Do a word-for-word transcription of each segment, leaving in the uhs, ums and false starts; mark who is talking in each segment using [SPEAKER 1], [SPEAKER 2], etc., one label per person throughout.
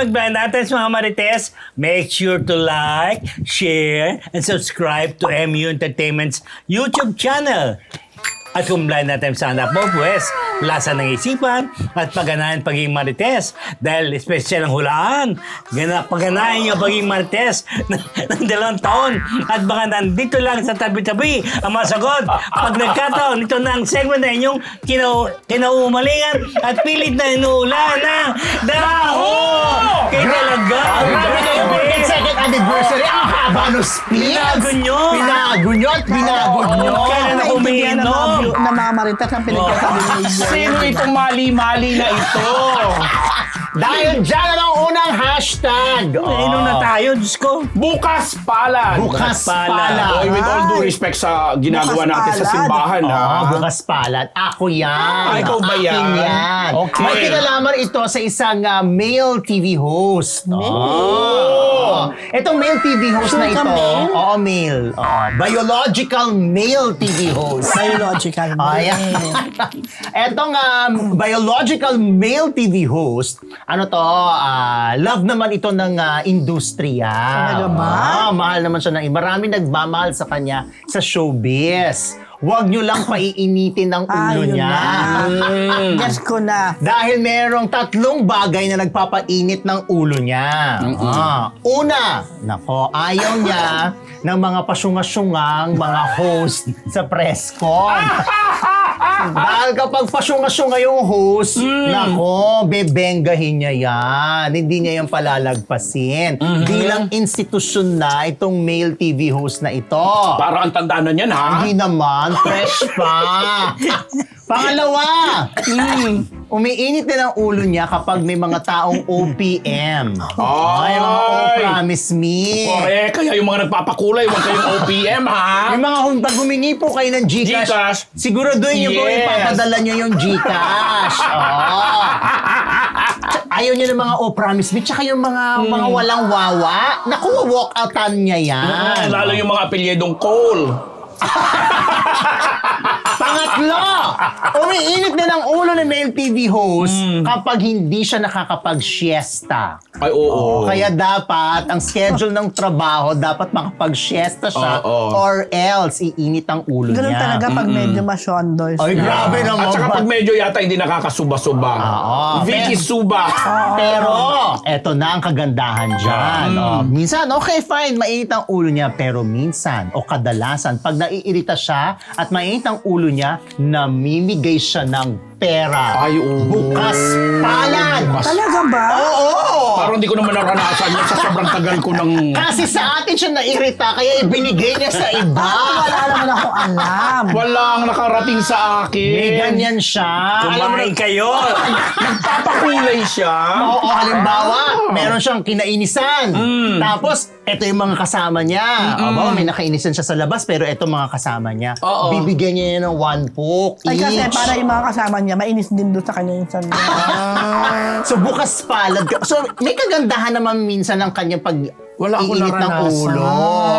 [SPEAKER 1] good blind natin mga Marites. Make sure to like, share, and subscribe to M U Entertainment's YouTube channel. At kung blind natin sa anak mo, pues, lasa ng isipan at pagganahan pagiging Marites. Dahil special ang hulaan. Gana, pagganahan yung pagiging Marites ng, ng dalawang taon. At baka nandito lang sa tabi-tabi ang masagot. Pag nagkataon, ito na ang segment na inyong kinau kinaumalingan at pilit na inuulan ng Daho! Kaya talaga!
[SPEAKER 2] Grabe kayo, second anniversary, ang haba no speech!
[SPEAKER 1] Binago nyo!
[SPEAKER 2] Binago nyo at binago nyo!
[SPEAKER 1] Kailan ako umiinom?
[SPEAKER 3] Na mga Marites ang pinagkasabi ni Igor.
[SPEAKER 2] Sino itong mali-mali na ito? Dahil dyan ang unang hashtag.
[SPEAKER 1] Nainom na tayo, Diyos ko.
[SPEAKER 4] Bukas palad.
[SPEAKER 2] Bukas
[SPEAKER 1] palad.
[SPEAKER 2] palad.
[SPEAKER 4] Oy, with all due respect sa ginagawa
[SPEAKER 3] Bukas
[SPEAKER 4] natin sa
[SPEAKER 3] palad.
[SPEAKER 4] simbahan, ha?
[SPEAKER 2] Ah, bukas palad. Ako yan.
[SPEAKER 4] Ah, ikaw ba yan?
[SPEAKER 2] Akin yan.
[SPEAKER 4] Okay.
[SPEAKER 2] May kinalaman ito sa isang uh, male T V host.
[SPEAKER 4] Oh.
[SPEAKER 2] Itong male T V host
[SPEAKER 3] Sure
[SPEAKER 2] na
[SPEAKER 3] ka,
[SPEAKER 2] ito.
[SPEAKER 3] male?
[SPEAKER 2] Oo, male. Oo. Biological male T V host.
[SPEAKER 3] Biological.
[SPEAKER 2] Ayan. Etong um, biological male T V host, ano to, ah, love naman ito ng ah, industriya.
[SPEAKER 3] Talaga ba?
[SPEAKER 2] Ah, mahal naman siya ng marami nagmamahal sa kanya sa showbiz. Huwag nyo lang paiinitin ang ulo
[SPEAKER 3] Ayun
[SPEAKER 2] niya.
[SPEAKER 3] na. Guess ko na.
[SPEAKER 2] Dahil merong tatlong bagay na nagpapainit ng ulo niya. Ah, una, nako, ayaw niya ng mga pasyungasyungang mga host sa press con. Dahil kapag pasyunga-syunga yung host, nako, bebenggahin niya yan. Hindi niya yung palalagpasin. Bilang institusyon na itong male T V host na ito.
[SPEAKER 4] Para ang tandaan na niyan, ha?
[SPEAKER 2] Hindi naman, fresh pa. Pangalawa, mm, umiinit din ang ulo niya kapag may mga taong O P M. Ay, mga oh, promise me.
[SPEAKER 4] Correct. Kaya yung mga nagpapakulay, huwag kayong O P M, ha?
[SPEAKER 2] Yung mga hum- pag humingi po kayo ng Gcash,
[SPEAKER 4] Gcash.
[SPEAKER 2] siguraduhin niyo po
[SPEAKER 4] Yes.
[SPEAKER 2] ipapadala niyo yung Gcash. Oh. Ayaw niya ng mga oh, promise me, tsaka yung mga mga walang wawa. Naku, walk outan niya yan.
[SPEAKER 4] Lalo yung mga apelyedong Cole.
[SPEAKER 2] Pangatlo, umiinit din ang ulo ng male T V host kapag hindi siya nakakapag-siesta.
[SPEAKER 4] Ay, oo.
[SPEAKER 2] Kaya dapat, ang schedule ng trabaho, dapat makapag-siesta siya
[SPEAKER 4] Oo.
[SPEAKER 2] or else iinit ang ulo
[SPEAKER 3] Ganun
[SPEAKER 2] niya.
[SPEAKER 3] talaga pag medyo masyondoy.
[SPEAKER 2] Ay, grabe naman.
[SPEAKER 4] At saka
[SPEAKER 2] ba?
[SPEAKER 4] pag medyo yata hindi nakakasuba-suba.
[SPEAKER 2] Oo.
[SPEAKER 4] Vicky Suba.
[SPEAKER 2] Pero, eto na ang kagandahan dyan. Oh, minsan, okay, fine, mainit ang ulo niya. Pero minsan, o kadalasan, pag naiirita siya at mainit ang ulo niya, namimigay siya ng pera.
[SPEAKER 4] Ay, oo.
[SPEAKER 2] Bukas palad.
[SPEAKER 3] Talaga ba?
[SPEAKER 2] Oo.
[SPEAKER 4] Parang hindi ko naman naranasan yan sa sobrang tagal ko ng...
[SPEAKER 2] Kasi sa atin siya nairita, kaya ibinigay niya sa iba.
[SPEAKER 3] Wala naman ako alam.
[SPEAKER 4] Walang nakarating sa akin.
[SPEAKER 2] May ganyan siya. Alam mo
[SPEAKER 1] Kumain kayo.
[SPEAKER 4] Nagpapakulay siya.
[SPEAKER 2] Oo, halimbawa, meron siyang kinainisan. Tapos, eto yung mga kasama niya. O ba, may nakainisan siya sa labas, pero eto mga kasama niya.
[SPEAKER 4] Oo.
[SPEAKER 2] Bibigyan niya yan ng one poke
[SPEAKER 3] Ay kasi
[SPEAKER 2] each.
[SPEAKER 3] para yung mga kasama niya, mainis din doon sa kanya yung san.
[SPEAKER 2] So, bukas palad ka. So, may kagandahan naman minsan ng kanyang pag
[SPEAKER 4] Wala akong
[SPEAKER 2] iinit ng
[SPEAKER 4] naranasan.
[SPEAKER 2] ulo.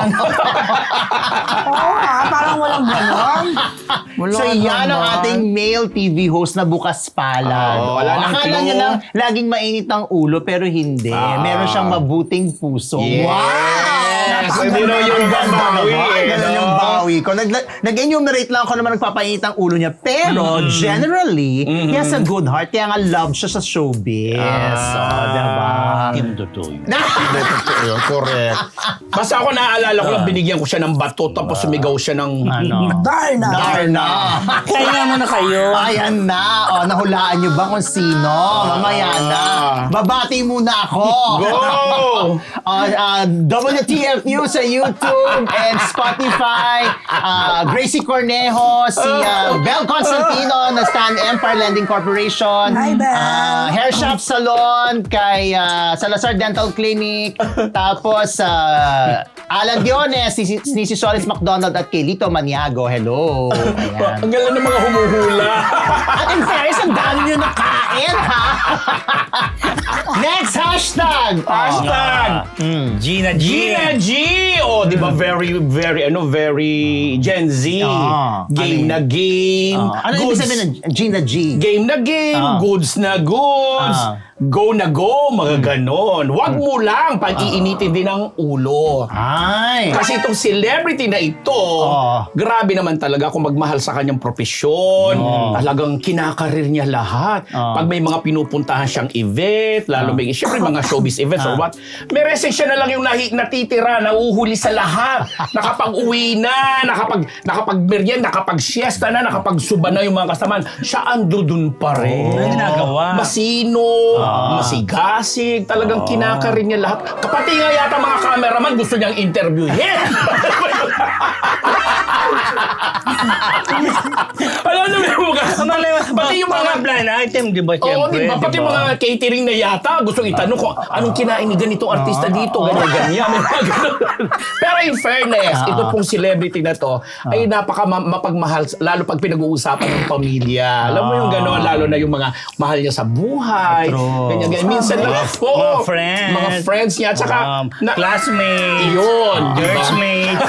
[SPEAKER 3] Oo nga, parang walang ganon.
[SPEAKER 4] Wala
[SPEAKER 2] So, yan ang
[SPEAKER 4] naman.
[SPEAKER 2] ating male T V host na bukas palad.
[SPEAKER 4] Oo, wala nang
[SPEAKER 2] Akala
[SPEAKER 4] clue.
[SPEAKER 2] niya lang laging mainit ang ulo, pero hindi.
[SPEAKER 4] Ah.
[SPEAKER 2] Meron siyang mabuting puso.
[SPEAKER 4] Yes.
[SPEAKER 2] Wow!
[SPEAKER 4] Hindi na yung babawi, eh,
[SPEAKER 2] Ganun
[SPEAKER 4] no?
[SPEAKER 2] yung bawi ko. Nag, nag-enumerate lang ako naman nagpapainit ang ulo niya. Pero, generally, he has a good heart. Kaya nga love siya sa showbiz. Oh, diba?
[SPEAKER 1] Hindi totoo yun.
[SPEAKER 4] Totoo, correct. Basta ako naaalala ko lang, binigyan ko siya ng bato, tapos sumigaw siya ng...
[SPEAKER 2] Ano?
[SPEAKER 3] Darna.
[SPEAKER 2] Darna.
[SPEAKER 1] Kaya mo na kayo.
[SPEAKER 2] Ayan na. O, nahulaan niyo ba kung sino? Mamaya na. Babati muna ako.
[SPEAKER 4] Go!
[SPEAKER 2] Uh, uh, W T F U sa YouTube and Spotify. Uh, Gracie Cornejo, si uh, Bel Constantino na Stan Empire Lending Corporation.
[SPEAKER 3] Hi, Bel.
[SPEAKER 2] Uh, Hair Shop Salon kay uh, Salazar Dental Clinic. Tapos, uh, Alan Diones, ni, ni si Solis McDonald at kay Lito Maniago. Hello. Ayan.
[SPEAKER 4] Ang galang ng mga humuhula.
[SPEAKER 2] At in fairness, ang dami nyo nakain, ha? Next hashtag!
[SPEAKER 4] Hashtag!
[SPEAKER 1] Gina G.
[SPEAKER 4] Gina G! Oh, di ba very, very, ano, very Gen Z.
[SPEAKER 2] Ah,
[SPEAKER 4] Game
[SPEAKER 2] ano
[SPEAKER 4] na game.
[SPEAKER 2] Uh, ano ibig
[SPEAKER 4] goods-
[SPEAKER 2] sabihin ng Gina G?
[SPEAKER 4] Game na game.
[SPEAKER 2] Ah.
[SPEAKER 4] Goods na goods.
[SPEAKER 2] Ah.
[SPEAKER 4] go na go, mga ganon. Huwag mo lang pag-iinitin din ang ulo.
[SPEAKER 2] Ay.
[SPEAKER 4] Kasi itong celebrity na ito,
[SPEAKER 2] Oo.
[SPEAKER 4] grabe naman talaga kung magmahal sa kanyang profesyon. Talagang kinakarir niya lahat.
[SPEAKER 2] Oo.
[SPEAKER 4] Pag may mga pinupuntahan siyang event, lalo may, syempre mga showbiz events or what, may resin siya na lang yung nahi, natitira, nauhuli sa lahat. Nakapag-uwi na, nakapag, nakapag-merienda, nakapag-siesta na, nakapag-suba na yung mga kasamaan. Siya ando dun pa rin.
[SPEAKER 1] Ano ginagawa?
[SPEAKER 4] Masino, masigasig, talagang kinakarir niya lahat. Kapati nga yata mga cameraman gusto niyang interviewin. Alam mo yung mga... Pati yung mga...
[SPEAKER 1] blind item, di ba?
[SPEAKER 4] Oo,
[SPEAKER 1] Siyempre,
[SPEAKER 4] di ba? Pati
[SPEAKER 1] di ba?
[SPEAKER 4] mga catering na yata, gustong itanong kung anong kinain ni ganitong artista dito, ganyan, ganyan. May mga ganun. Pero in fairness, ito pong celebrity na to, ay napaka ma- mapagmahal, lalo pag pinag-uusapan ng pamilya. Alam mo yung gano'n, lalo na yung mga mahal niya sa buhay.
[SPEAKER 2] True.
[SPEAKER 4] Ganyan, ganyan. Minsan lang,
[SPEAKER 1] Mga-
[SPEAKER 4] oo,
[SPEAKER 1] mga friends.
[SPEAKER 4] Mga friends niya. At saka,
[SPEAKER 1] Um,
[SPEAKER 4] na-
[SPEAKER 1] classmates.
[SPEAKER 4] Yun, di ba?
[SPEAKER 1] Churchmates.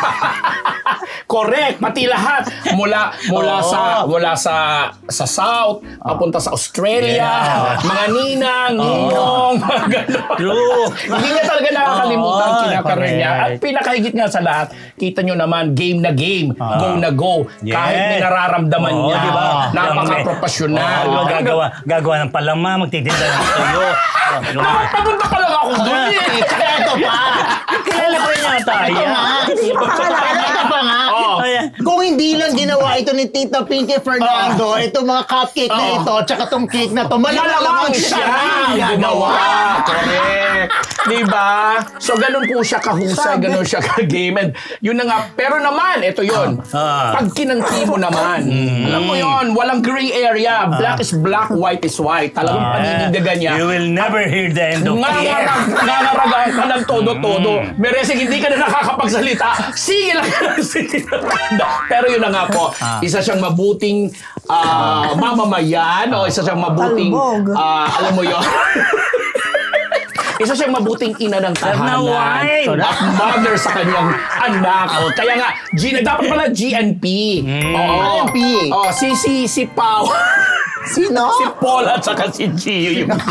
[SPEAKER 4] Correct, pati lahat mula mula
[SPEAKER 1] Oo.
[SPEAKER 4] sa mula sa sa South papunta sa Australia,
[SPEAKER 1] Yeah.
[SPEAKER 4] mga ninang, ninong, mga ganon.
[SPEAKER 1] True.
[SPEAKER 4] Hindi niya talaga nakakalimutan ang
[SPEAKER 1] Oo,
[SPEAKER 4] kinakarir niya. At
[SPEAKER 1] correct.
[SPEAKER 4] pinakahigit nga sa lahat, kita nyo naman, game na game, go na go.
[SPEAKER 1] Yes.
[SPEAKER 4] Kahit may nararamdaman
[SPEAKER 1] Oo,
[SPEAKER 4] niya,
[SPEAKER 1] di ba?
[SPEAKER 4] napaka-professional.
[SPEAKER 1] Oo, gagawa, gagawa ng palama, magtitinda ng tuyo. Oh, di ba?
[SPEAKER 4] Dapat papunta pa lang ako doon eh.
[SPEAKER 2] Kaya ito pa.
[SPEAKER 1] Kilala ko rin yata.
[SPEAKER 2] Ito nga. Ito pa nga.
[SPEAKER 4] Oh.
[SPEAKER 1] Ayan.
[SPEAKER 2] Kung hindi lang ginawa ito ni Tita Pinky Fernando, itong mga cupcake na ito, tsaka itong cake na ito,
[SPEAKER 4] Malamang
[SPEAKER 2] malamang
[SPEAKER 4] siya
[SPEAKER 2] siya
[SPEAKER 4] ang
[SPEAKER 2] ang
[SPEAKER 4] gumawa.
[SPEAKER 2] gagawa.
[SPEAKER 4] Correct. Diba? So, ganun po siya kahusay, ganun siya ka-game. And yun na nga. Pero naman, ito yun.
[SPEAKER 1] Ah.
[SPEAKER 4] Pag kinangki mo naman, alam mo yun, walang gray area. Black is black, white is white. Talagang paninindigan niya.
[SPEAKER 1] You will never hear the end of it.
[SPEAKER 4] Nangaragaan ka ng todo-todo. Meresing hindi ka na nakakapagsalita. Sige lang ka ng salita. Pero yun na nga po, isa siyang mabuting ah, mamamayan o isa siyang mabuting,
[SPEAKER 3] Talbog.
[SPEAKER 4] ah, alam mo yun, isa siyang mabuting ina ng tahanan
[SPEAKER 1] wine.
[SPEAKER 4] at mother sa kanyang anak. O, kaya nga, G, dapat pala G N P. Oo.
[SPEAKER 2] G N P.
[SPEAKER 4] Oh, si, si, si Pao.
[SPEAKER 2] Sino?
[SPEAKER 4] Si Paul at saka si Gio. Yung...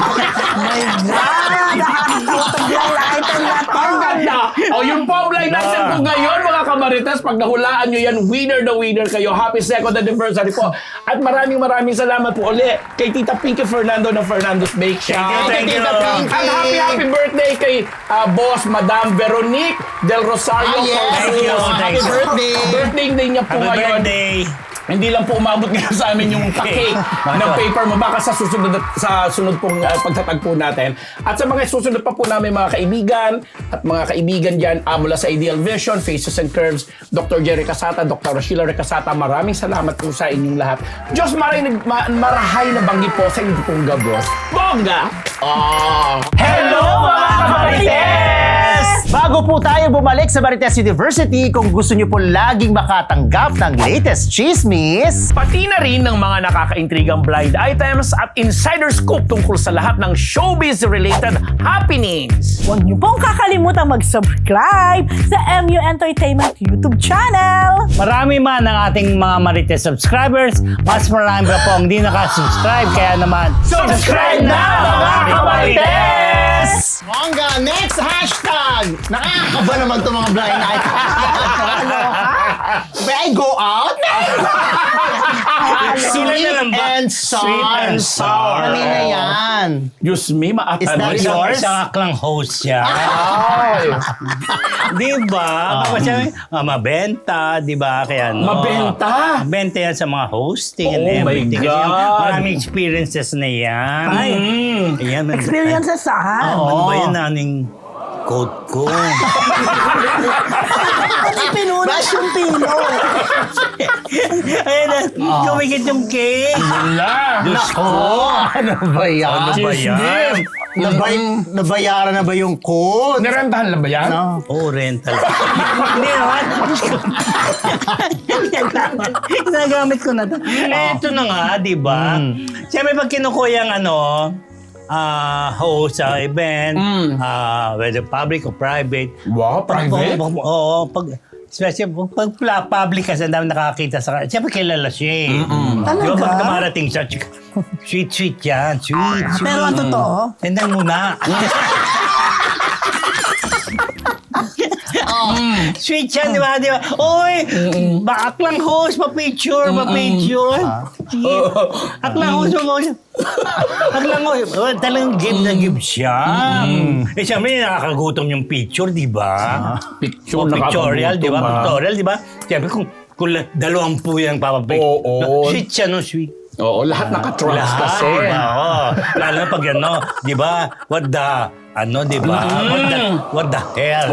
[SPEAKER 3] Ah, nakakatawa to blind item na to.
[SPEAKER 4] Ang ganda! O, yung po ang blind item po ngayon, mga kamarites, pag nahulaan nyo yan, winner na winner kayo. Happy second anniversary po. At maraming maraming salamat po uli kay Tita Pinky Fernando ng Fernando's Bake Shop.
[SPEAKER 1] Thank you, thank
[SPEAKER 2] Tita
[SPEAKER 1] you.
[SPEAKER 2] Pinky.
[SPEAKER 4] At happy, happy birthday kay ah, Boss Madam Veronique Del Rosario.
[SPEAKER 2] Ah, yes.
[SPEAKER 1] Thank you,
[SPEAKER 2] Happy
[SPEAKER 1] thank you.
[SPEAKER 2] birthday.
[SPEAKER 4] Birthday day niya po
[SPEAKER 1] Happy
[SPEAKER 4] ngayon.
[SPEAKER 1] birthday.
[SPEAKER 4] Hindi lang po umabot ngayon sa amin yung pa-cake ng paper mo. Baka sa susunod sa sunod pong uh, pagtatagpo natin. At sa mga susunod pa po namin mga kaibigan at mga kaibigan dyan uh, mula sa Ideal Vision, Faces and Curves, Doctor Jerry Casata, Doctor Sheila Recasata, maraming salamat po sa inyong lahat. Diyos maray, ma- marahay na banggi po sa inyong pong gabos. Bongga! Oh. Hello mga kamarites!
[SPEAKER 2] Bago po tayo bumalik sa Marites University, kung gusto niyo po laging makatanggap ng latest chismis,
[SPEAKER 4] Pati na rin ng mga nakakaintrigang blind items at insider scoop tungkol sa lahat ng showbiz-related happenings.
[SPEAKER 3] Huwag niyo pong kakalimutan mag-subscribe sa M U Entertainment YouTube channel.
[SPEAKER 1] Marami man ang ating mga Marites subscribers, mas marami pa po ang hindi nakasubscribe. Kaya naman,
[SPEAKER 4] Subscribe na, mga kamarites!
[SPEAKER 2] Mongga, next hashtag! Nakakaba naman itong mga blind items. May I go out?
[SPEAKER 1] sila na lang ba?
[SPEAKER 2] and sour.
[SPEAKER 1] Sweet and sour.
[SPEAKER 2] Kanina yan.
[SPEAKER 4] Diyos me, maatan
[SPEAKER 2] Is that
[SPEAKER 4] mo.
[SPEAKER 1] Isang,
[SPEAKER 2] yours?
[SPEAKER 1] isang aklang host siya.
[SPEAKER 4] Ay,
[SPEAKER 1] Di ba? Tapos siya, ah, mabenta, di ba? Kaya, no,
[SPEAKER 4] Mabenta?
[SPEAKER 1] Mabenta yan sa mga hosting and
[SPEAKER 4] Oh my
[SPEAKER 1] everything. Kasi
[SPEAKER 4] God.
[SPEAKER 1] yung maraming experiences na yan.
[SPEAKER 3] Ay.
[SPEAKER 4] mm.
[SPEAKER 1] Ayan, man-
[SPEAKER 3] Experiences saan?
[SPEAKER 1] Ano ba yan naning coat ko?
[SPEAKER 3] Pati pinunas yung pino.
[SPEAKER 1] Ayun na, kumikit yung cake.
[SPEAKER 4] Wala.
[SPEAKER 1] Diyos ko.
[SPEAKER 2] Ano ba yan?
[SPEAKER 1] Ano ba yan?
[SPEAKER 2] Nabay- nabayaran na ba yung code?
[SPEAKER 4] Narentahan lang ba yan?
[SPEAKER 2] No.
[SPEAKER 1] Oh, rental. Hindi naman. Ginagamit ko na to. Eh, ito na nga, di ba? Siyempre, pag kinukuha yung ano, ah host sa event,
[SPEAKER 4] Mm.
[SPEAKER 1] ah whether public or private.
[SPEAKER 4] Wow, private?
[SPEAKER 1] Pag, oo, pag Especially pag pla- public kasi ang dami nakakita sa kanya. Siyempre kilala siya eh. Di ba
[SPEAKER 3] Talaga?
[SPEAKER 1] pag dumarating siya, chika, sweet, sweet yan. Sweet, sweet.
[SPEAKER 3] Pero ang totoo,
[SPEAKER 1] Tendang muna. Sweet yan, di ba? Di ba? Uy, aklang host, pa-picture, pa-picture. Aklang host, pa-picture. Aklang host. Oh, talagang give na give siya. Eh, siyempre, nakakagutom yung picture, di ba?
[SPEAKER 4] Picture,
[SPEAKER 1] O, pictorial, di ba?
[SPEAKER 4] nakakagutom, ah.
[SPEAKER 1] Pictorial, di ba? Siyempre, kung, kung dalawampu yan papapicture.
[SPEAKER 4] Oo.
[SPEAKER 1] Sweet siya, no? Sweet.
[SPEAKER 4] Oo, lahat naka-trust
[SPEAKER 1] Lahat,
[SPEAKER 4] kasi.
[SPEAKER 1] diba? Oo. Lalo na pag ano, di ba? What the, ano, di ba? What the, what the hell?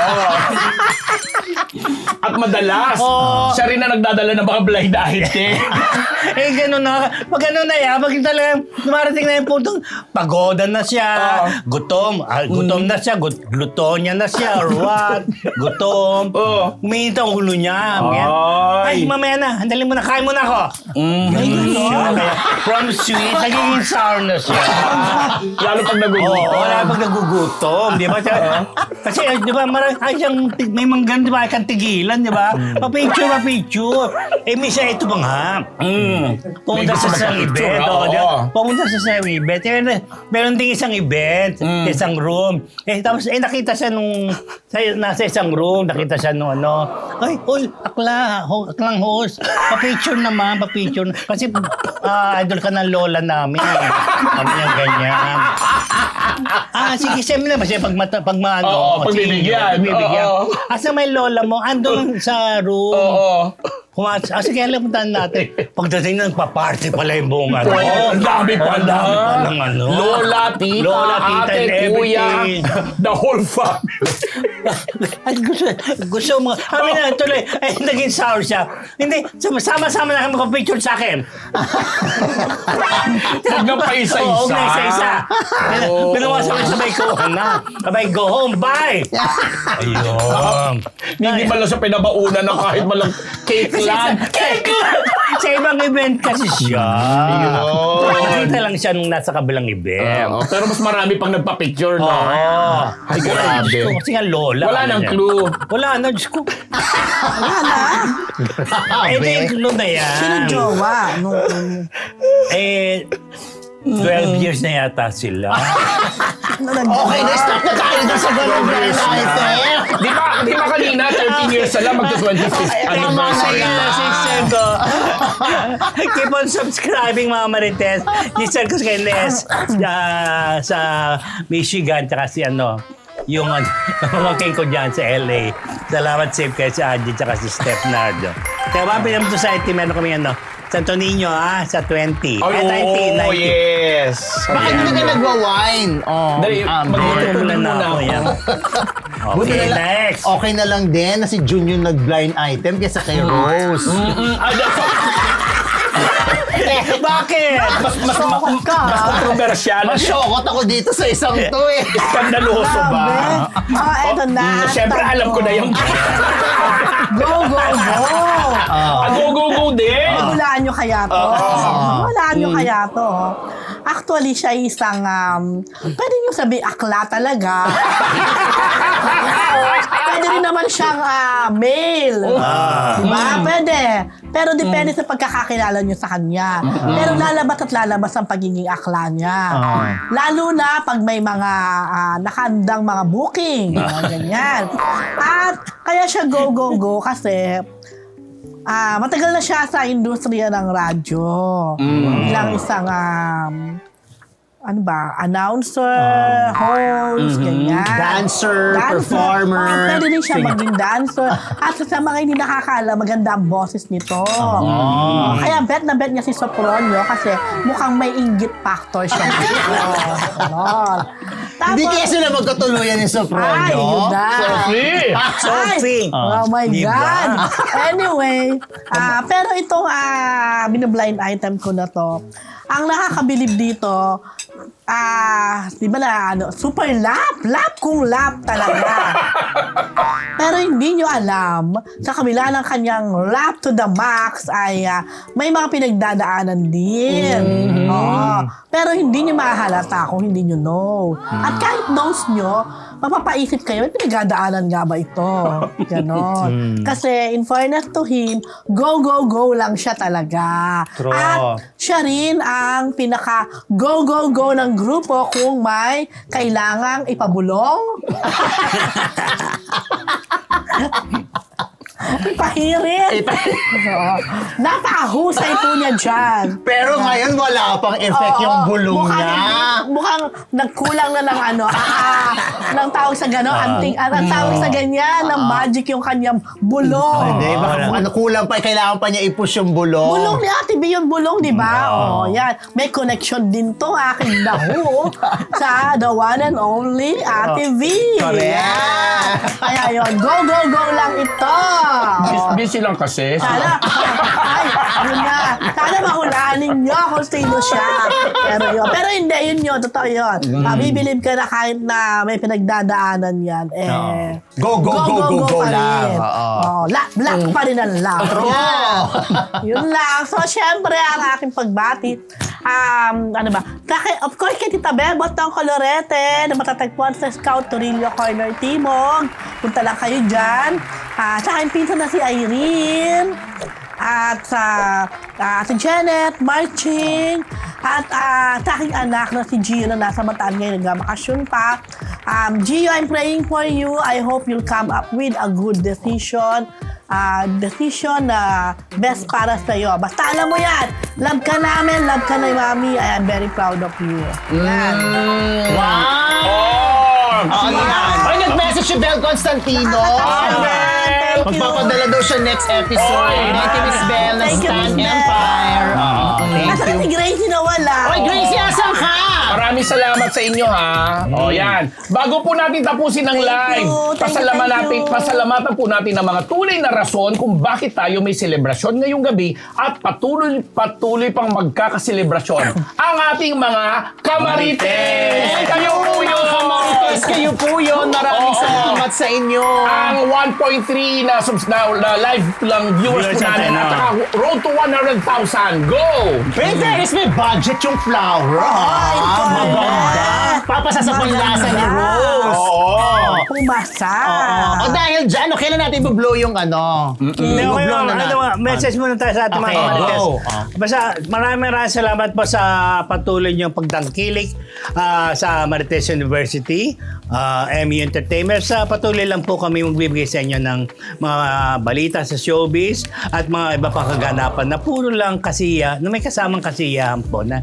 [SPEAKER 4] At madalas,
[SPEAKER 1] Oo.
[SPEAKER 4] siya rin na nagdadala ng mga blind item.
[SPEAKER 1] Eh, gano'n na. Pag ano na yan, pag talagang dumarating na yung puntong pagoda na siya, gutom, ah, gutom na siya, gut- glutonya na siya, or what? Gutom.
[SPEAKER 4] Oo.
[SPEAKER 1] Umiinit ang ulo niya. Ganyan.
[SPEAKER 4] Ay.
[SPEAKER 1] Ay, mamaya na. Handalin mo na. Kain mo na ako. Ganun siya. Kaya, from sweet, nagiging sour na siya.
[SPEAKER 4] Lalo pag
[SPEAKER 1] Oo,
[SPEAKER 4] nagugutom.
[SPEAKER 1] wala pag nagugutom, di ba? Kasi, eh, di ba, marami, ay, siyang, tig- may manggan, di ba, ay kang tigilan, di ba? Pa-picture, pa-picture. Eh, misa, ito pa nga. Pumunta
[SPEAKER 4] May
[SPEAKER 1] sa
[SPEAKER 4] gusto
[SPEAKER 1] isang
[SPEAKER 4] magpa-picture,
[SPEAKER 1] event.
[SPEAKER 4] oo.
[SPEAKER 1] Oh, di ba? Pumunta sa isang event. Eh, meron ding isang event, isang room. Eh, tapos, eh, nakita siya nung, sa, nasa isang room, nakita siya nung ano, ay, uy, akla, ho, aklang host. Pa-picture naman, pa-picture. Kasi, ah, idol ka ng lola namin. Kami yung ganyan. Ah, sige, siyempre na. Kasi pag, mata, pag maano,
[SPEAKER 4] Oo, pagbibigyan.
[SPEAKER 1] pagbibigyan.
[SPEAKER 4] Oo.
[SPEAKER 1] Asa may lola mo, andun sa room.
[SPEAKER 4] Oo.
[SPEAKER 1] Kumas, ah, sige, alam puntahan natin. Pagdating na, nagpa-party pala yung buong ano.
[SPEAKER 4] Oo, ang dami
[SPEAKER 1] Oo,
[SPEAKER 4] pala.
[SPEAKER 1] ang dami palang ano.
[SPEAKER 4] Lola, tita,
[SPEAKER 1] Lola, tita,
[SPEAKER 4] ate,
[SPEAKER 1] and
[SPEAKER 4] kuya,
[SPEAKER 1] everything.
[SPEAKER 4] the whole family.
[SPEAKER 1] Ay, gusto, gusto mo. Kami na, tuloy, ay, naging sour siya. Hindi, sama-sama na kami magpa-picture sa akin.
[SPEAKER 4] Huwag na pa isa-isa.
[SPEAKER 1] Oo, huwag na isa-isa.
[SPEAKER 4] Oo.
[SPEAKER 1] Pinawasan ko sabay ko na. Sabay, go home, bye! Ayun.
[SPEAKER 4] Hindi man lang siya pinabauna na kahit man lang cake lang.
[SPEAKER 1] Cake lang! Sa ibang event kasi siya.
[SPEAKER 4] Ayun.
[SPEAKER 1] Nakita lang siya nung nasa kabilang event.
[SPEAKER 4] Oo, pero mas marami pang nagpa-picture, no?
[SPEAKER 1] Oo.
[SPEAKER 4] Ay, grabe.
[SPEAKER 1] Diyos ko, kasi nga lola.
[SPEAKER 4] Wala
[SPEAKER 1] ano
[SPEAKER 4] nang
[SPEAKER 1] niya.
[SPEAKER 4] clue.
[SPEAKER 1] Wala na, Diyos ko.
[SPEAKER 3] wala na.
[SPEAKER 1] Eh, ito yung clue na yan.
[SPEAKER 3] Sino jowa? Nung,
[SPEAKER 1] Eh, twelve years na yata sila.
[SPEAKER 3] ano nag-
[SPEAKER 2] Okay, na stop na tayo dun sa ganun blind item.
[SPEAKER 4] Di ba, di ba kanina, thirteen years na lang, magto-twenty-fifth anniversary
[SPEAKER 1] Tama
[SPEAKER 4] na.
[SPEAKER 1] na, sister ko. Keep on subscribing, mga Marites. Sister ko kay Nes ah, sa Michigan, tsaka si ano, yung ano, pamangkin ko dyan sa L A. Salamat, safe kayo si Angie, tsaka si Steph Nardo. Kaya mga Pinam Society, meron kami ano, Santo Niño, ah, sa twenty.
[SPEAKER 4] Ay,
[SPEAKER 1] Eh, nineteen,
[SPEAKER 4] oo,
[SPEAKER 1] nineteen.
[SPEAKER 4] yes.
[SPEAKER 2] Bakit hindi ka nagwa-wine? Oh,
[SPEAKER 4] Dali,
[SPEAKER 2] um,
[SPEAKER 1] Magtutulan na ako yan.
[SPEAKER 2] Buti
[SPEAKER 1] Okay,
[SPEAKER 2] na lang,
[SPEAKER 1] next.
[SPEAKER 2] okay na lang din na si Jun yung nag-blind item kaysa kay Rose.
[SPEAKER 4] Mm, ah,
[SPEAKER 1] Bakit?
[SPEAKER 4] mas, mas, mas,
[SPEAKER 3] ka,
[SPEAKER 4] mas
[SPEAKER 3] ah.
[SPEAKER 4] kontrobersyal.
[SPEAKER 2] Masyokot ako dito sa isang to eh.
[SPEAKER 4] Skandaloso ba?
[SPEAKER 3] Oh, eto na.
[SPEAKER 4] Mm, Siyempre, alam ko na yung...
[SPEAKER 3] Go, go, go.
[SPEAKER 4] Ah, go, go, go din.
[SPEAKER 3] Hulaan nyo kaya to. Hulaan nyo kaya to. Actually, siya ay isang, um, pwede nyo sabi akla talaga. Pwede rin naman siyang ah, male. Diba? Pwede. Pero depende sa pagkakakilala nyo sa kanya. Pero lalabas at lalabas ang pagiging akla niya. Lalo na pag may mga ah, nakaandang mga booking. Mga ganyan. At kaya siya go, go, go kasi Ah, matagal na siya sa industriya ng radyo. Bilang isang um, ano ba, announcer, host, ganyan.
[SPEAKER 2] Dancer, performer,
[SPEAKER 3] Ah, pwede din siya
[SPEAKER 2] singer.
[SPEAKER 3] maging dancer. At sa mga hindi nakakala, maganda ang boses nito. Oh, kaya bet na bet niya si Sopronio kasi mukhang may inggit factor siya. Oh, ganon. Tapos,
[SPEAKER 2] Hindi kaya sila magkatuluyan ni Sopronio.
[SPEAKER 3] Ay, yun na.
[SPEAKER 4] Sophie!
[SPEAKER 1] Sophie.
[SPEAKER 3] Ay, oh my
[SPEAKER 1] Diba?
[SPEAKER 3] God. Anyway, ah pero itong ah binablind item ko na to, ang nakakabilib dito, ah, di ba na, ano, super lap, lap kung lap talaga. Pero hindi nyo alam, sa kabila ng kanyang lap to the max ay ah, may mga pinagdadaanan din. Oo. Pero hindi nyo mahalata kung hindi nyo know. At kahit knows nyo, mapapaisip kayo, may pinagdadaanan nga ba ito? Ganon. Kasi in fairness to him, go, go, go lang siya talaga.
[SPEAKER 2] True.
[SPEAKER 3] At siya rin ang pinaka go, go, go ng grupo kung may kailangang ipabulong. Ipahirit. Oo. Napakahusay po niya dyan.
[SPEAKER 2] Pero ngayon wala pang effect
[SPEAKER 3] Oo,
[SPEAKER 2] yung bulong
[SPEAKER 3] mukhang,
[SPEAKER 2] niya.
[SPEAKER 3] Mukhang nagkulang na ng ano, ah, ng tawag sa gano'n, anting, ah, ang tawag sa ganyan, ng magic yung kanyang bulong.
[SPEAKER 2] Hindi, baka kung ano kulang pa, kailangan pa niya i-push yung bulong.
[SPEAKER 3] Bulong ni Ate B yung bulong, di ba? Oh, yan. May connection din to, aking daho, sa the one and only Ate V.
[SPEAKER 2] Correct.
[SPEAKER 3] Yan. Kaya yun, go, go, go lang ito.
[SPEAKER 4] Bis- Busy lang kasi.
[SPEAKER 3] Sana, ay, yun na. Sana mahulaan ninyo kung sino siya. Pero yun, pero hindi, yun yun, totoo yun.
[SPEAKER 2] Mm.
[SPEAKER 3] Mabibilib ka na kahit na may pinagdadaanan yan. Eh,
[SPEAKER 2] Go, go, go, go, go
[SPEAKER 3] pa
[SPEAKER 2] lang.
[SPEAKER 3] rin.
[SPEAKER 2] Oo.
[SPEAKER 3] Oh, la, black pa rin ang love.
[SPEAKER 2] Yeah.
[SPEAKER 3] Yun lang. So, syempre, ang aking pagbati, um, ano ba? Kaya, of course, kay Tita Bebot ng Colorete, na matatagpuan sa Scout Torillo Corner Timog. Punta lang kayo dyan. Ah, sa aking pinsan na si Irene. At sa uh, si Janet, Marching. At uh, sa aking anak na si Gio na nasa Bataan ngayon, nagmamakasyon pa. Um, Gio, I'm praying for you. I hope you'll come up with a good decision. Uh, decision na best para sa iyo. Basta alam mo yan. Love ka namin, love ka na Mami. I am very proud of you. Yan.
[SPEAKER 2] Wow!
[SPEAKER 4] Oh!
[SPEAKER 2] Oh, yan. Ay, nag-message si Bel Constantino.
[SPEAKER 3] Thank you.
[SPEAKER 2] Magpapadala daw siya next episode.
[SPEAKER 4] Oy,
[SPEAKER 2] Thank you, Miss Bel ng
[SPEAKER 3] Thank you,
[SPEAKER 2] Stan
[SPEAKER 3] Miss Bel.
[SPEAKER 2] Empire. Oo, thank
[SPEAKER 3] Nasaan
[SPEAKER 2] you.
[SPEAKER 3] si Gracie na wala?
[SPEAKER 2] Oy, Gracie, asan ka?
[SPEAKER 4] Maraming salamat sa inyo ha. O yan. Bago po natin tapusin ang
[SPEAKER 3] Thank
[SPEAKER 4] live,
[SPEAKER 3] you, thank you,
[SPEAKER 4] pasalamat
[SPEAKER 3] thank
[SPEAKER 4] natin,
[SPEAKER 3] you.
[SPEAKER 4] pasalamatan po natin ang mga tunay na rason kung bakit tayo may selebrasyon ngayong gabi at patuloy patuloy pang magkakaselebrasyon ang ating mga kamarites. Kayo po yun.
[SPEAKER 2] Kamarites, kayo po yun. Maraming
[SPEAKER 4] Oo.
[SPEAKER 2] salamat sa inyo.
[SPEAKER 4] Ang one point three na, subs- na, na live lang viewers
[SPEAKER 1] Viewers
[SPEAKER 4] po natin
[SPEAKER 1] natin,
[SPEAKER 4] at
[SPEAKER 1] oh.
[SPEAKER 4] saka road to one hundred thousand. Go!
[SPEAKER 2] Princess, may budget yung flower.
[SPEAKER 3] Ay,
[SPEAKER 2] Ah,
[SPEAKER 3] correct.
[SPEAKER 2] maganda. Papasa sa panlasa ni Rose.
[SPEAKER 4] Oo.
[SPEAKER 3] Pumasa.
[SPEAKER 2] Oo. O dahil dyan, o kailan natin i-blow yung ano?
[SPEAKER 1] Hindi, okay,
[SPEAKER 2] I-blow
[SPEAKER 1] ano,
[SPEAKER 2] na
[SPEAKER 1] ano,
[SPEAKER 2] natin.
[SPEAKER 1] message muna tayo sa ating mga
[SPEAKER 2] Okay,
[SPEAKER 1] kamarites.
[SPEAKER 2] go. Ah.
[SPEAKER 1] Basta maraming maraming salamat po sa patuloy niyong pagtangkilik ah, sa Marites University, ah, M U Entertainment. Sa patuloy lang po kami magbibigay sa inyo ng mga balita sa showbiz at mga iba pang kaganapan na puro lang kasiya, na may kasamang kasiyahan po na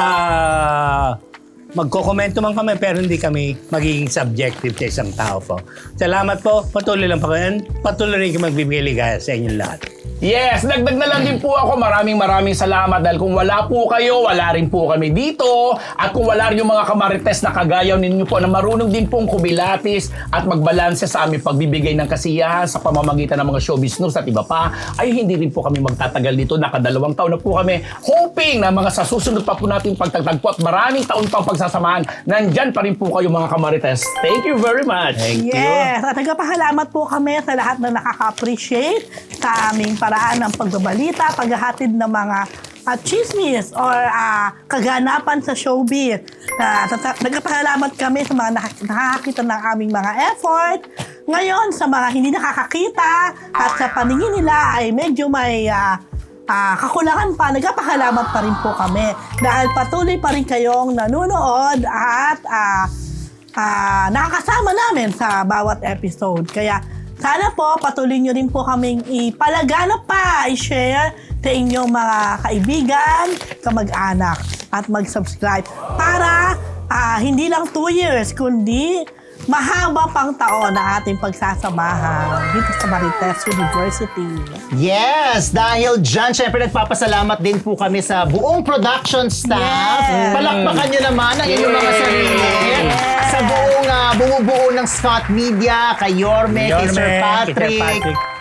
[SPEAKER 1] ah, magkokomento man kami pero hindi kami magiging subjective sa isang tao po. Salamat po. Patuloy lang po kayo. Patuloy rin kayo magbibigay ligaya sa inyong lahat.
[SPEAKER 4] Yes, dagdag na lang din po ako. Maraming maraming salamat dahil kung wala po kayo, wala rin po kami dito. At kung wala rin yung mga kamarites na kagayaw ninyo po na marunong din pong kumilatis at magbalanse sa aming pagbibigay ng kasiyahan sa pamamagitan ng mga showbiz news at iba pa, ay hindi rin po kami magtatagal dito. Nakadalawang taon na po kami hoping na mga sa susunod pa po natin pagtatagpo at maraming taon pang pagsasamahan. Nandyan pa rin po kayo mga kamarites. Thank you very much.
[SPEAKER 1] Thank you.
[SPEAKER 3] Yes, at nagpapahalamat po kami sa lahat na nakaka-appreciate sa aming paraan ng pagbabalita, paghahatid ng mga uh, chismis or uh, kaganapan sa showbiz. Uh, nagpapahalamat kami sa mga nak- nakakakita ng aming mga effort. Ngayon, sa mga hindi nakakakita at sa paningin nila ay medyo may uh, uh, kakulangan pa, nagpapahalamat pa rin po kami dahil patuloy pa rin kayong nanonood at uh, uh, nakakasama namin sa bawat episode. Kaya sana po patuloy nyo rin po kaming ipalaganap pa, i-share sa inyong mga kaibigan, kamag-anak at mag-subscribe para uh, hindi lang two years kundi mahaba pang taon na ating pagsasamahan dito sa Marites University.
[SPEAKER 2] Yes, dahil dyan, syempre nagpapasalamat din po kami sa buong production staff.
[SPEAKER 3] Yes.
[SPEAKER 2] Palakpakan nyo naman ang inyong mga sarili.
[SPEAKER 3] Yes.
[SPEAKER 2] Sa buong uh, bumubuo ng Scott Media, kay Yorme, kay
[SPEAKER 1] Yorme,
[SPEAKER 2] Sir
[SPEAKER 1] kay Sir
[SPEAKER 2] Patrick,
[SPEAKER 1] Patrick.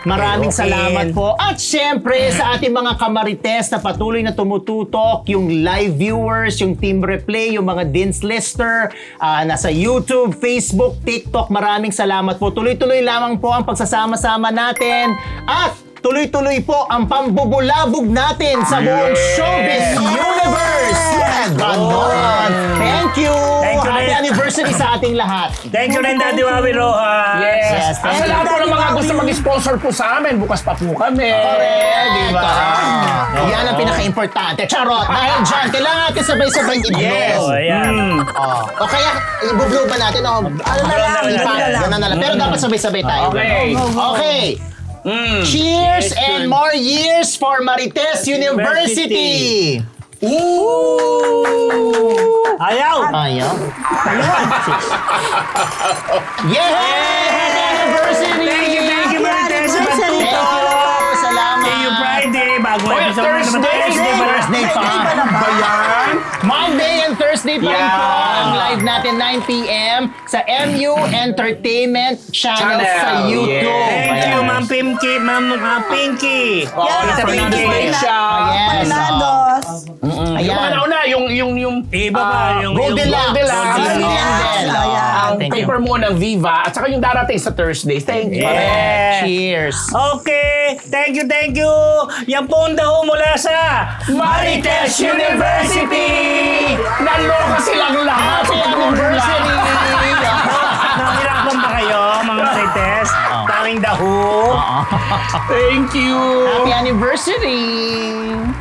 [SPEAKER 2] Maraming
[SPEAKER 1] Okay, okay.
[SPEAKER 2] salamat po. At syempre, sa ating mga kamarites na patuloy na tumututok, yung live viewers, yung team replay, yung mga Dins Lister, ah, nasa YouTube, Facebook, TikTok, maraming salamat po. Tuloy-tuloy lamang po ang pagsasama-sama natin. At tuloy-tuloy po ang pambubulabog natin sa buong showbiz universe. Ganon. Thank you.
[SPEAKER 1] Thank you,
[SPEAKER 2] Happy
[SPEAKER 1] Ren.
[SPEAKER 2] anniversary sa ating lahat.
[SPEAKER 1] Thank you rin, Daddy Wawi Rojas.
[SPEAKER 4] Yes.
[SPEAKER 2] Yes,
[SPEAKER 4] At
[SPEAKER 2] thank
[SPEAKER 4] sa
[SPEAKER 2] you.
[SPEAKER 4] lahat po ng mga gusto mag-sponsor po sa amin, bukas pa po kami.
[SPEAKER 2] Correct, di ba?
[SPEAKER 4] Oo.
[SPEAKER 2] Yan ang pinaka-importante. Charot! Dahil dyan, kailangan natin sabay-sabay i-blow.
[SPEAKER 4] Yes.
[SPEAKER 1] Oh, ayan.
[SPEAKER 4] Mm.
[SPEAKER 2] Oh. O kaya, i-blow ba natin? O,
[SPEAKER 3] Ano na lang,
[SPEAKER 1] Ano
[SPEAKER 3] ano
[SPEAKER 1] na
[SPEAKER 3] na lang.
[SPEAKER 2] Ganun na lang. Pero dapat sabay-sabay tayo.
[SPEAKER 4] Okay.
[SPEAKER 3] Go, go, go.
[SPEAKER 2] Okay.
[SPEAKER 4] Mm.
[SPEAKER 2] Cheers
[SPEAKER 1] Yes,
[SPEAKER 2] and
[SPEAKER 1] good.
[SPEAKER 2] more years for Marites University!
[SPEAKER 4] Ooh!
[SPEAKER 1] Ayaw!
[SPEAKER 2] Ayaw. Yay! Happy anniversary!
[SPEAKER 1] Thank you, thank you, Marites.
[SPEAKER 3] Anniversary
[SPEAKER 2] Thank
[SPEAKER 3] po.
[SPEAKER 2] you! Salamat!
[SPEAKER 1] See you Friday. Bago
[SPEAKER 4] Oh,
[SPEAKER 1] episode na naman.
[SPEAKER 4] Thursday!
[SPEAKER 1] Thursday pa rin.
[SPEAKER 2] Thursday pa.
[SPEAKER 3] Thursday pa na ba?
[SPEAKER 4] Ba yan?
[SPEAKER 2] Monday and Thursday pa rin
[SPEAKER 4] Yeah.
[SPEAKER 2] po ang live natin nine p.m. sa M U Entertainment Channel,
[SPEAKER 4] Channel.
[SPEAKER 2] sa YouTube.
[SPEAKER 4] Yeah.
[SPEAKER 1] Thank you,
[SPEAKER 2] Ayan.
[SPEAKER 1] Ma'am Pinky. Ma'am uh, Pinky.
[SPEAKER 4] Oh,
[SPEAKER 3] Yan,
[SPEAKER 1] Tita
[SPEAKER 4] Fernando
[SPEAKER 1] Pinky.
[SPEAKER 4] Special.
[SPEAKER 2] Yes.
[SPEAKER 3] Fernandos.
[SPEAKER 4] Yung
[SPEAKER 2] Ayan.
[SPEAKER 4] mga nauna, yung, yung, yung,
[SPEAKER 1] Iba pa,
[SPEAKER 4] ah,
[SPEAKER 1] yung-
[SPEAKER 2] Golden
[SPEAKER 1] yung-
[SPEAKER 2] Locks.
[SPEAKER 4] Goldilocks.
[SPEAKER 2] Golden
[SPEAKER 3] Goldilocks.
[SPEAKER 2] Locks.
[SPEAKER 3] Ayan.
[SPEAKER 4] ang
[SPEAKER 2] Thank you.
[SPEAKER 4] paper mo ng Viva, at saka yung darating sa Thursday. Thank you.
[SPEAKER 1] Yeah.
[SPEAKER 2] Cheers.
[SPEAKER 1] Okay, thank you, thank you. Yan po ang daho mula sa
[SPEAKER 4] Marites University! Naloka silang lahat.
[SPEAKER 2] Happy anniversary!
[SPEAKER 1] Nahirapan ba kayo, mga Marites? Tanging daho.
[SPEAKER 4] Thank you.
[SPEAKER 2] Happy anniversary!